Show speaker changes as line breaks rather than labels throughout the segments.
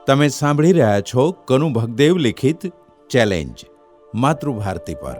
તમે સાંભળી રહ્યા છો કનુ ભગદેવ લિખિત ચેલેન્જ માતૃભારતી પર.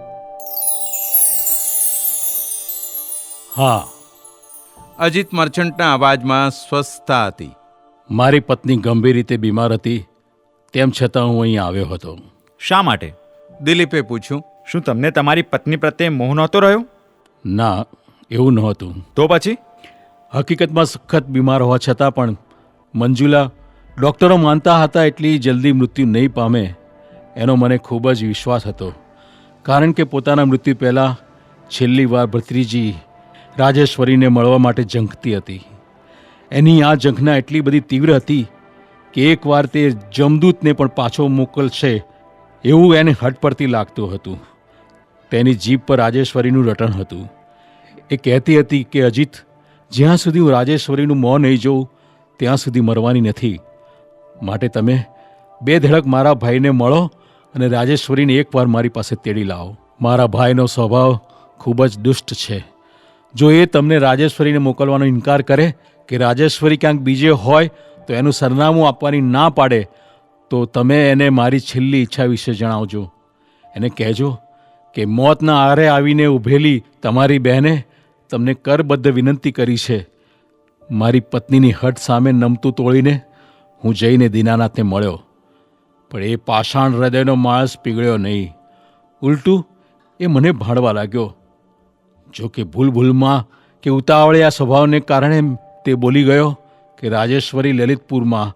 હા,
અજીત મર્ચન્ટના અવાજમાં સ્વસ્થતા હતી.
મારી પત્ની ગંભીર રીતે બીમાર હતી, તેમ છતાં હું અહીં આવ્યો હતો.
શા માટે?
દિલીપે પૂછ્યું.
શું તમને તમારી પત્ની પ્રત્યે મોહ નહોતો રહ્યો?
ના, એવું નહોતું.
તો પછી?
હકીકતમાં સખત બીમાર હોવા છતાં પણ મંજુલા ડૉક્ટરો માનતા હતા એટલી જલ્દી મૃત્યુ નહીં પામે એનો મને ખૂબ જ વિશ્વાસ હતો. કારણ કે પોતાના મૃત્યુ પહેલાં છેલ્લી વાર ભત્રીજી રાજેશ્વરીને મળવા માટે ઝંખતી હતી. એની આ ઝંખના એટલી બધી તીવ્ર હતી કે એકવાર તે જમદૂતને પણ પાછો મોકલશે એવું એને હઠ પરથી લાગતું હતું. તેની જીભ પર રાજેશ્વરીનું રટણ હતું. એ કહેતી હતી કે અજીત, જ્યાં સુધી હું રાજેશ્વરીનું મોં નહીં જોઉં ત્યાં સુધી મરવાની નથી. માટે તમે બે ધડક મારા ભાઈને મળો અને રાજેશ્વરીને એકવાર મારી પાસે તેડી લાવો. મારા ભાઈનો સ્વભાવ ખૂબ જ દુષ્ટ છે. જો એ તમને રાજેશ્વરીને મોકલવાનો ઇનકાર કરે કે રાજેશ્વરી ક્યાંક બીજે હોય તો એનું સરનામું આપવાની ના પાડે તો તમે એને મારી છેલ્લી ઈચ્છા વિશે જણાવજો. એને કહેજો કે મોતના આરે આવીને ઊભેલી તમારી બહેને તમને કરબદ્ધ વિનંતી કરી છે. મારી પત્નીની હઠ સામે નમતું તોડીને હું જઈને દીનાનાથને મળ્યો, પણ એ પાષાણ હૃદયનો માણસ પીગળ્યો નહીં. ઉલટું એ મને ભાંડવા લાગ્યો. જો કે ભૂલમાં કે ઉતાવળિયા સ્વભાવને કારણે તે બોલી ગયો કે રાજેશ્વરી લલિતપુરમાં,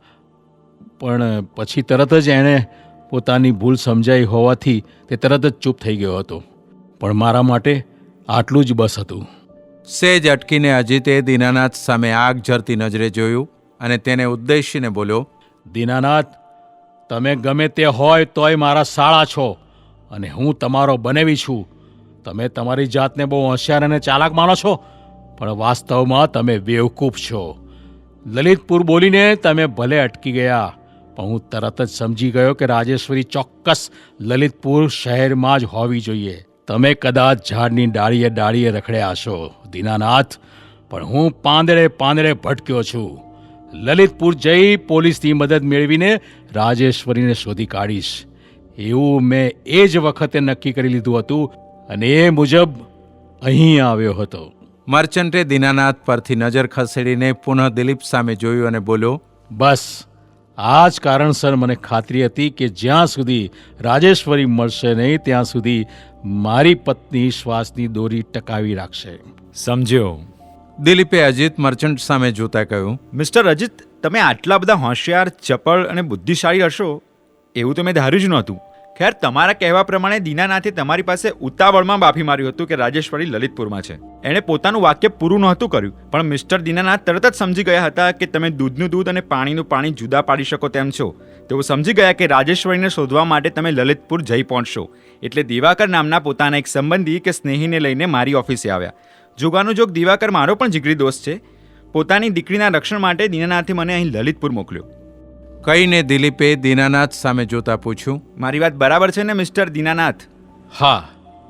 પણ પછી તરત જ એણે પોતાની ભૂલ સમજાઈ હોવાથી તે તરત જ ચૂપ થઈ ગયો હતો. પણ મારા માટે આટલું જ બસ હતું.
સેજ અટકીને અજીતે દીનાનાથ સામે આગ ઝરતી નજરે જોયું અને તેને ઉદ્દેશીને બોલ્યો.
દીનાનાથ, તમે ગમે તે હોય તોય મારા સાળા છો અને હું તમારો બનેવી છું. તમે તમારી જાતને બહુ હોશિયાર અને ચાલાક માનો છો, પણ વાસ્તવમાં તમે બેવકૂફ છો. લલિતપુર બોલીને તમે ભલે અટકી ગયા, પણ હું તરત જ સમજી ગયો કે રાજેશ્વરી ચોક્કસ લલિતપુર શહેરમાં જ હોવી જોઈએ. તમે કદાચ ઝાડની ડાળીએ રખડ્યા હશો દીનાનાથ, પણ હું પાંદડે ભટક્યો છું. લલિતપુર જઈ પોલીસની મદદ મેળવીને રાજેશ્વરીને શોધી કાઢીશ એવું મેં એ જ વખતે નક્કી કરી લીધું હતું અને એ મુજબ અહીં આવ્યો હતો.
મર્ચન્ટે દીનાનાથ પરથી નજર ખસેડીને પુનઃ દિલીપ સામે જોયું અને બોલ્યો.
બસ આ જ કારણસર મને ખાતરી હતી કે જ્યાં સુધી રાજેશ્વરી મળશે નહીં ત્યાં સુધી મારી પત્ની શ્વાસની દોરી ટકાવી રાખશે.
સમજ્યો.
દિલીપે અજીત મર્ચન્ટ સામે જોતા કહ્યું.
મિસ્ટર અજીત, તમે આટલા બધા હોશિયાર, ચપળ અને બુદ્ધિશાળી હશો એવું તો મેં ધાર્યું જ નહોતું. ખેર, તમારા કહેવા પ્રમાણે દીનાનાથે તમારી પાસે ઉતાવળમાં બાફી માર્યું હતું કે રાજેશ્વરી લલિતપુરમાં છે. એણે પોતાનું વાક્ય પૂરું નહોતું કર્યું, પણ મિસ્ટર દીનાનાથ તરત જ સમજી ગયા હતા કે તમે દૂધનું દૂધ અને પાણીનું પાણી જુદા પાડી શકો તેમ છો. તેઓ સમજી ગયા કે રાજેશ્વરીને શોધવા માટે તમે લલિતપુર જઈ પહોંચશો. એટલે દિવાકર નામના પોતાના એક સંબંધી કે સ્નેહીને લઈને મારી ઓફિસે આવ્યા. જોગાનું જોગ દિવાકર મારો પણ જીગરી દોસ્ત છે. પોતાની દીકરીના રક્ષણ માટે દીનાનાથે મને અહીં લલિતપુર મોકલ્યો.
કહીને દિલીપે દીનાનાથ સામે જોતા પૂછ્યું.
મારી વાત બરાબર છે ને મિસ્ટર દીનાનાથ?
હા.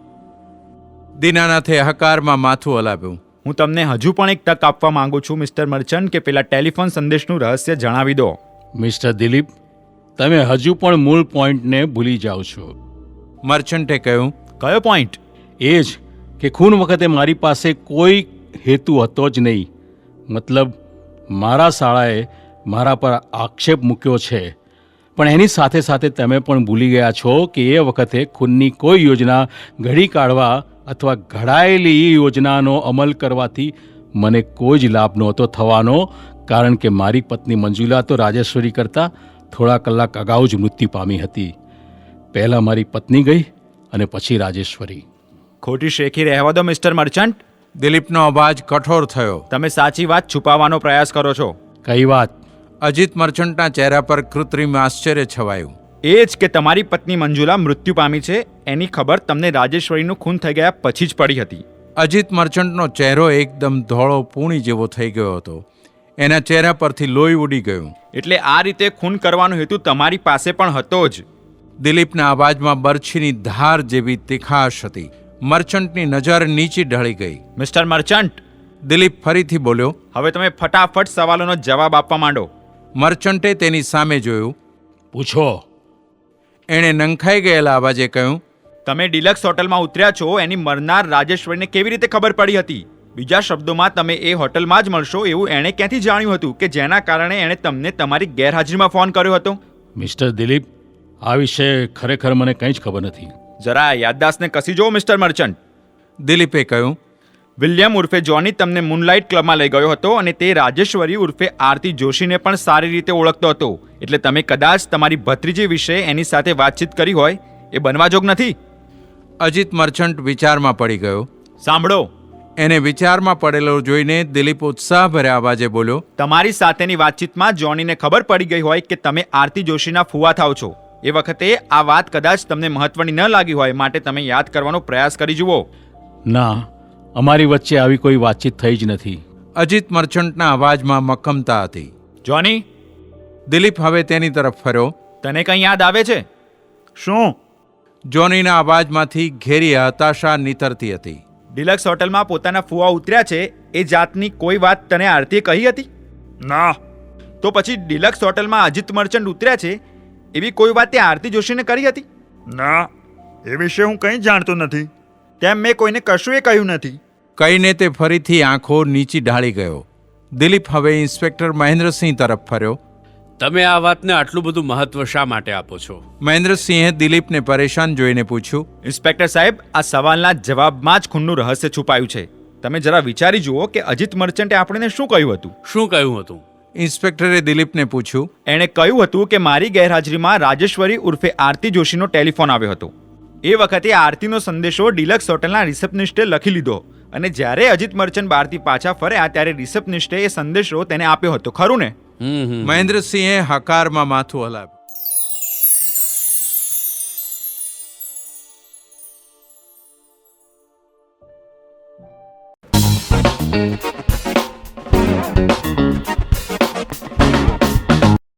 દીનાનાથે હકારમાં માથું હલાવ્યું.
હું તમને હજુ પણ એક તક આપવા માંગુ છું મિસ્ટર મર્ચન્ટ, કે પેલા ટેલિફોન સંદેશનું રહસ્ય જણાવી દો.
મિસ્ટર દિલીપ, તમે હજુ પણ મૂળ પોઈન્ટને ભૂલી જાઓ છો.
મર્ચન્ટે કહ્યું.
કયો પોઈન્ટ?
એ જ કે ખૂન વખતે મારી પાસે કોઈ હેતુ હતો જ નહીં. મતલબ મારા શાળાએ મારા પર આક્ષેપ મૂક્યો છે, પણ એની સાથે સાથે તમે પણ ભૂલી ગયા છો કે એ વખતે ખૂનની કોઈ યોજના ઘડી કાઢવા અથવા ઘડાયેલી યોજનાનો અમલ કરવાથી મને કોઈ જ લાભ નહોતો થવાનો, કારણ કે મારી પત્ની મંજુલા તો રાજેશ્વરી કરતાં થોડા કલાક અગાઉ જ મૃત્યુ પામી હતી. પહેલાં મારી પત્ની ગઈ અને પછી રાજેશ્વરી.
ખોટી શેખી રહેવા દો મિસ્ટર મર્ચન્ટ.
દિલીપનો અવાજ કઠોર થયો.
તમે સાચી વાત છુપાવવાનો પ્રયાસ કરો છો.
કઈ વાત?
અજીત મર્ચન્ટના ચહેરા પર કૃત્રિમ આશ્ચર્ય છવાયું.
એ જ કે તમારી પત્ની મંજુલા મૃત્યુ પામી છે એની ખબર તમને રાજેશ્વરીનું ખૂન થઈ ગયા પછી જ પડી હતી.
અજીત મર્ચન્ટનો ચહેરો એકદમ ધોળો પૂણી જેવો થઈ ગયો હતો. એના ચહેરા પરથી લોહી ઉડી ગયું.
એટલે આ રીતે ખૂન કરવાનો હેતુ તમારી પાસે પણ હતો જ.
દિલીપના અવાજમાં બરછીની ધાર જેવી તીખાશ હતી. મર્ચન્ટની નજર નીચી ઢળી ગઈ.
મિસ્ટર મર્ચન્ટ,
દિલીપ ફરીથી બોલ્યો.
હવે તમે ફટાફટ સવાલોનો જવાબ આપવા માંડો.
મર્ચન્ટે તેની સામે જોયું.
પૂછો.
એણે નંખાઈ ગયેલા અવાજે કહ્યું.
તમે ડિલક્સ હોટલમાં ઉતર્યા છો એની મરનાર રાજેશ્વરીને કેવી રીતે ખબર પડી હતી? બીજા શબ્દોમાં તમે એ હોટલમાં જ મળશો એવું એણે ક્યાંથી જાણ્યું હતું કે જેના કારણે એણે તમને તમારી ગેરહાજરીમાં ફોન કર્યો હતો?
મિસ્ટર દિલીપ, આ વિશે ખરેખર મને કંઈ જ ખબર નથી.
જરા યાદદાસ્તને કસી જુઓ મિસ્ટર મર્ચન્ટ.
દિલીપે કહ્યું.
વિલિયમ ઉર્ફે જોની તમને મૂનલાઇટ ક્લબમાં લઈ ગયો હતો અને તે રાજેશ્વરી ઉર્ફે આરતી જોશીને પણ સારી રીતે ઓળખતો હતો. એટલે તમે કદાચ તમારી ભત્રીજી વિશે એની સાથે વાતચીત કરી હોય એ બનવા જોગ નથી.
અજીત મર્ચન્ટ વિચારમાં પડી ગયો.
સાંભળો,
એને વિચારમાં પડેલો જોઈને દિલીપ ઉત્સાહભર્યા અવાજે બોલ્યો.
તમારી સાથેની વાતચીતમાં જોનીને ખબર પડી ગઈ હોય કે તમે આરતી જોશીના ફુવા થાવ છો. એ વખતે આ વાત કદાચ તમને મહત્વની ન લાગી હોય, માટે તમે યાદ કરવાનો પ્રયાસ કરી જુઓ.
ના, અમારી વચ્ચે આવી કોઈ વાતચીત થઈ જ નથી.
અજીત મર્ચન્ટના અવાજમાં મક્કમતા હતી.
જોની,
દિલીપ હવે તેની તરફ ફર્યો.
તને કંઈ યાદ આવે છે? શું?
જોનીના અવાજમાંથી ઘેરી હતાશા નીતરતી હતી.
ડિલક્સ હોટલમાં પોતાના ફુવા ઉતર્યા છે એ જાતની કોઈ વાત તને આરતીએ કહી હતી?
ના.
તો પછી ડિલક્સ હોટલમાં અજીત મર્ચન્ટ ઉતર્યા છે એવી કોઈ વાત તે આરતી જોશીને કરી હતી?
ના, એ વિશે હું કંઈ જાણતો નથી.
તેમ મેં કોઈને કશું એ કહ્યું નથી.
કહીને તે ફરીથી આંખો નીચી ઢાળી ગયો. દિલીપ હવે ઇન્સ્પેક્ટર મહેન્દ્રસિંહ તરફ ફર્યો.
તમે આ વાતને આટલું બધું મહત્વ શા માટે આપો છો?
મહેન્દ્રસિંહે દિલીપને પરેશાન જોઈને પૂછ્યું.
ઇન્સ્પેક્ટર સાહેબ, આ સવાલના જવાબમાં જ ખૂનનું રહસ્ય છુપાયું છે. તમે જરા વિચારી જુઓ કે અજીત મર્ચન્ટે આપણને શું કહ્યું હતું.
શું કહ્યું હતું?
ઇન્સ્પેક્ટરે દિલીપને પૂછ્યું.
એણે કહ્યું હતું કે મારી ગેરહાજરીમાં રાજેશ્વરી ઉર્ફે આરતી જોશીનો ટેલિફોન આવ્યો હતો. એ વખતે આરતીનો સંદેશો ડિલક્સ હોટલના રિસેપ્શનિસ્ટે લખી લીધો અને જ્યારે અજીત મર્ચન્ટ બહારથી પાછા ફર્યા ત્યારે રિસેપ્શનિસ્ટે એ સંદેશો તેને આપ્યો હતો. ખરું ને?
મહેન્દ્રસિંહે હકારમાં માથું હલાવ્યું.